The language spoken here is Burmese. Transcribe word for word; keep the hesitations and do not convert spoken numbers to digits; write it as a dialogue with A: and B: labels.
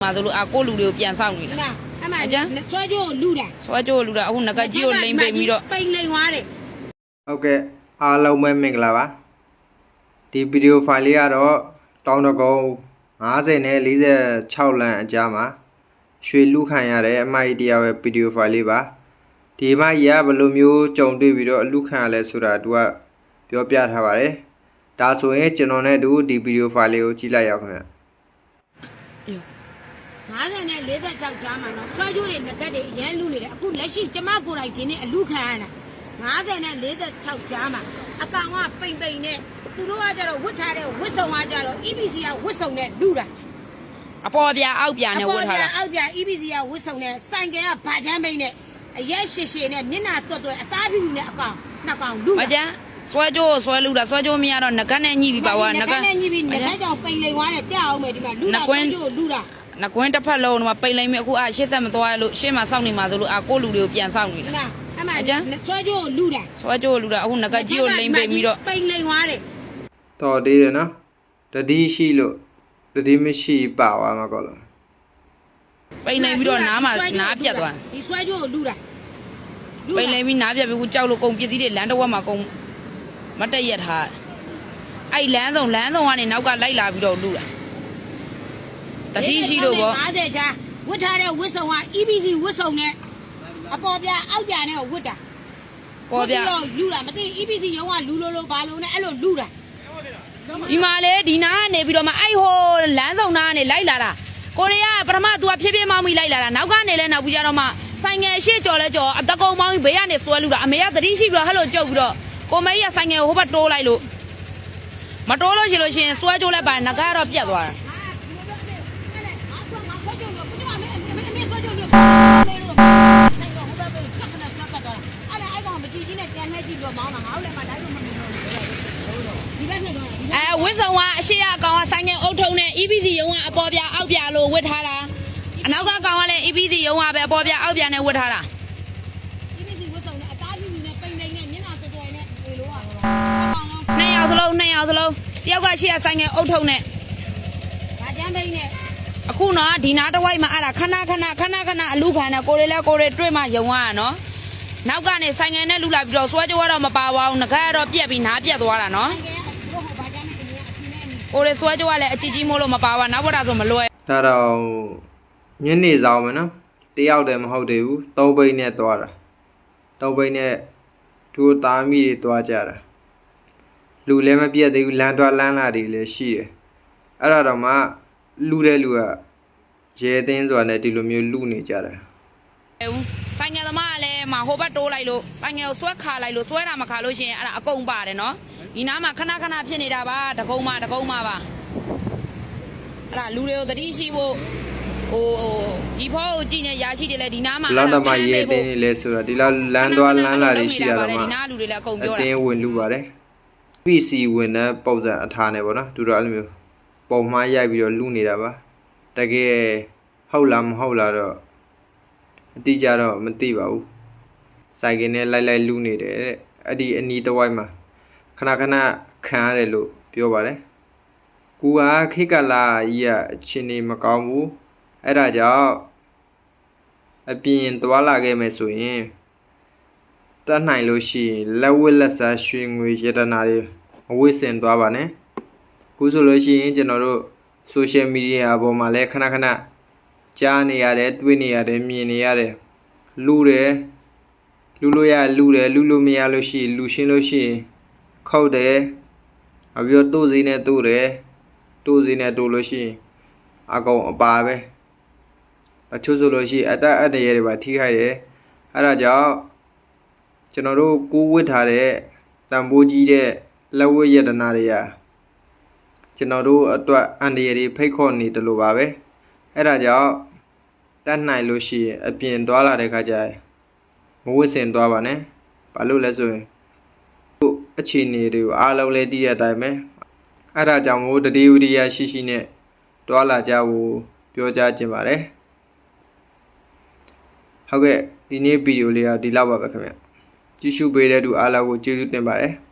A: 嘛，走路啊，过路的变上去了。
B: 那，俺们说就路的，
A: 说就路的，我那个只有零百米了。
B: 百零瓦的。
C: OK，အားလုံးပဲမင်္ဂလာပါဒီဗီဒီယိုဖိုင်လေးကတော့တောင်းတကုန်း၅၀နဲ့၄၆လမ်းအကြားမှာရွှေလူခံရတဲ့အမိုက်တရားပဲဗီဒီယိုဖိုင်လေးပါဒီမိုက်ရဘယ်လိုမျိုးကြုံတွေ့ပြီးတော့အလူခံရလဲဆိုတာသူကပြောပြထားပါတယ်ဒါဆိုရင်ကျွန်တော်နဲ့တူဒီဗီဒီယိုဖိုင်လေးကိုကြည့်လိုက်ရအောင်ခင်ဗျ
B: ၅၀နဲ့၄၆ကြားမှာနော်ဆွဲကြိုးတွေငကက်တွေအရန်လူနေတယ်အခုလက်ရှိကျမကိုယ်တိုင်ဒီနေ့အလူခံရတာ၅၀နဲ့၄၆ကြားမှာအကောင်ကပိန်ပိန်နဲ့သူတို့ကကြတော့ဝတ်ထားတဲ့ဝတ်စုံကကြတော့ E B C ကဝတ်စုံနဲ့လူတာ
A: အပေါ်ပြအောက်ပြနဲ့ဝတ်ထားတာ
B: အောက်ပြ E B C ကဝတ်စုံနဲ့စိုင်ကယ်ကဘာချမ်းပိန်နဲ့အရက်ရှည်ရှည်နဲ့မျက်နှာတွတ်တွတ်အသားဖြူဖြူနဲ့အကောင်နှစ်ကောင်လူတာ
A: မကျန်ဆွဲကြိုးဆွဲလူတာဆွဲကြိုးမရတော့ငကနဲ့ညှိပြီးပါဝါ
B: ငကနဲ့ညှိပြီးငကကြောင်ပိန်လိန်သွားတယ်ပြအောင်မယ်ဒီမှာလူတာဆွဲကြိုးလူတာ
A: နကွင်းတစ်ဖက်လုံးတော့ပိန်လိမ့်မယ်အခုအရှေ့ဆက်မသွားလို့ရှေ့မှာစောင့်နေမှာဆိုလို့အကိုလူတွေကိုပြန်စောင့်နေ
B: လားအမှန်ဆွဲကြိုးလူတာ
A: ဆွဲကြိုးလူတာအခုငကကြီးကိုလိမ့်ပိန်ပြီးတော့
B: ပိန်လိန်သွားတယ်
C: တော်သေးတယ်နော်တတိရှိလို့တတိမရှိပါသွားမှာကောလို့
A: ပိန်လိမ့်ပြီးတော့နားမှာနားပြတ်သွား
B: ဒီဆွဲကြိုးလူတာ
A: ပိန်လိမ့်ပြီးနားပြတ်ပြီးခုကြောက်လို့ကုန်ပစ္စည်းတွေလမ်းတစ်ဝက်မှာကုန်မတက်ရက်ထားအဲ့လမ်းဆောင်လမ်းဆောင်ကနေနောက်ကလိုက်လာပြီးတော့လူတာတတိရှိလို့ပေါ့
B: ၅၀ကြားဝတ်ထားတဲ့ဝတ်စုံက E B C ဝတ်စုံနဲ့အပေါ်ပြအောက်ပြနဲ့ဝတ်တာ
A: ပေါ်ပြ
B: တော့လူတာမသိ E B C ရုံးကလူလိုလိုဘာလို့နဲ့အဲ့လိုလူတာ
A: ဒီမှာလေဒီနာကနေပြီးတော့မှအဲ့ဟိုလမ်းဆောင်နာကနေလိုက်လာတာကိုရီးယားပထမ तू ကဖြည်းဖြည်းမောင်းပြီးလိုက်လာတာနောက်ကနေလဲနောက်ပြီးကြတော့မှဆိုင်ငယ်ရှေ့ကြော်လဲကြော်အတကုံမောင်းပြီးဘေးကနေဆွဲလူတာအမေကတတိရှိပြီးတော့ဟဲ့လိုကြုတ်ပြီးတော့ကိုမေကြီးကဆိုင်ငယ်ဟိုဘက်တိုးလိုက်လို့မတိုးလို့ရှိလို့ရှင်ဆွဲကြိုးလဲပါငကတော့ပြတ်သွားတာအဲဝင်းဆောင်ကအရှိရအကောင်ကဆိုင်ငယ်အုပ်ထုံနဲ့ E B C ရုံးကအပေါ်ပြအောက်ပြလို့ဝတ်ထားတာအနောက်ကကောင်ကလည်း E B C ရုံးကပဲအပေါ်ပြအောက်ပြနဲ့ဝတ်ထားတာ
B: E B C ဝတ်ဆောင်နဲ့အသားဖြူဖြူနဲ့ပိန်ပိန်နဲ့မျက်နှာတော်တော်နဲ့ဒီလိုอ่ะ
A: နှစ်ယောက်စလုံးနှစ်ယောက်စလုံးတယောက်ကရှိရဆိုင်ငယ်အုပ်ထုံနဲ့
B: ဗာကျန်းပိန်နဲ့
A: အခုနော်ဒီနားတစ်ဝိုက်မှာအဲ့ဒါခဏခဏခဏခဏအလူခံနဲ့ကိုရီလဲကိုရီတွေ့မှယုံရတာနော်နောက်ကနေဆိုင်ငယ်နဲ့လူလာပြီးတော့ဆွဲကြိုးကတော့မပါပါဘူးငကကတော့ပြက်ပြီးနားပြက်သွားတာနော်ကိုရီဆွဲကြိုးကလည်းအကြည့်ကြီးမို့လို့မပါပါနောက်ဘက်တာဆိုမလွယ်
C: ဒါတော့ညနေဆောင်မယ်နော်တယောက်တည်းမဟုတ်သေးဘူးသုံးဘိန်းနဲ့သွားတာသုံးဘိန်းနဲ့သူ့သားမိတွေသွားကြတာလူလည်းမပြတ်သေးဘူးလမ်းသွားလမ်းလာတွေလည်းရှိတယ်အဲ့ဒါတော့မှလူတဲ့လူကရဲသိန်းဆိုတာနဲ့ဒီလိုမျိုးလူနေကြတာ
A: ဆိုင်ငယ်သမားကလည်းမဟိုဘက်တိုးလိုက်လို့ဆိုင်ငယ်ကိုဆွဲခါလိုက်လို့ဆွဲတာမခါလို့ရှိရင်အဲ့ဒါအကုန်ပါတယ်နော်ဒီနားမှာခဏခဏဖြစ်နေတာပါတကုံးမတကုံးမပါအဲ့ဒါလူတွေကိုတတိရှိဖို့ဟိုဒီဖောကိုကြည့်နေရရှိတယ်လေဒီနားမှာ
C: လောက်တော့မှရဲသိန်းနေလဲဆိုတာဒီလောက်လမ်းသွားလမ်းလာတွေရှိရတော့မှ
A: ဒီနားလူတွေလည်းအကုန်ပြောတာ
C: အတင်းဝင်လူပါတယ် P C ဝင်တဲ့ပုံစံအထားနဲ့ပေါ့နော်သူတို့အဲ့လိုမျိုးပုံမှားရိုက်ပြီးတော့လူနေတာပါတကယ်ဟုတ်လားမဟုတ်လားတော့အတိအကျတော့မသိပါဘူးစိုက်ကင်းနဲ့လိုက်လိုက်လူနေတယ်တဲ့အဲ့ဒီအနီးတစ်ဝိုက်မှာခဏခဏခံရတယ်လို့ပြောပါတယ်ကူကခိကလာကြီးကအချင်းနေမကောင်းဘူးအဲ့ဒါကြောင့်အပြင်သွားလာခဲ့မယ်ဆိုရင်တတ်နိုင်လို့ရှိရင်လက်ဝတ်လက်စားရွှေငွေရတနာတွေအဝိစင်သွားပါနဲ့ခုဆိုလို့ရှိရင်ကျွန်တော်တို့ social media ပေါ်မှာလည်းခဏခဏကြားနေရတယ်တွေ့နေရတယ်မြင်နေရတယ်လူတယ်လူလို့ရလူတယ်လူလို့မရလို့ရှိရင်လူရှင်းလို့ရှိရင်ခောက်တယ်အပြောတို့စည်းနဲ့တို့တယ်တို့စည်းနဲ့တို့လို့ရှိရင်အကောင်အပါပဲအချို့ဆိုလို့ရှိရင်အတအတရဲတွေပါထိခိုက်တယ်အဲ့ဒါကြောင့်ကျွန်တော်တို့ကိုးဝတ်ထားတဲ့တန်ဖိုးကြီးတဲ့လက်ဝတ်ရတနာတွေကကျွန်တော်တို့အတွက်အန္တရာယ်တွေဖိတ်ခေါ်နေတယ်လို့ပါပဲအဲ့ဒါကြောင့်တတ်နိုင်လို့ရှိရင်အပြင်သွားလာတဲ့ခါကျရင်မဝတ်ဆင်သွားပါနဲ့ဘာလို့လဲဆိုရင်အခြေအနေတွေကိုအားလုံးလည်းသိရတဲ့အတိုင်းပဲအဲ့ဒါကြောင့်မို့တတိဝိရိယရှိရှိနဲ့တွာလာကြဖို့ပြောကြားခြင်းပါတယ်ဟုတ်ကဲ့ဒီနေ့ဗီဒီယိုလေးကဒီလောက်ပါပဲခင်ဗျကြည့်ရှုပေးတဲ့သူအားလုံးကိုကျေးဇူးတင်ပါတယ်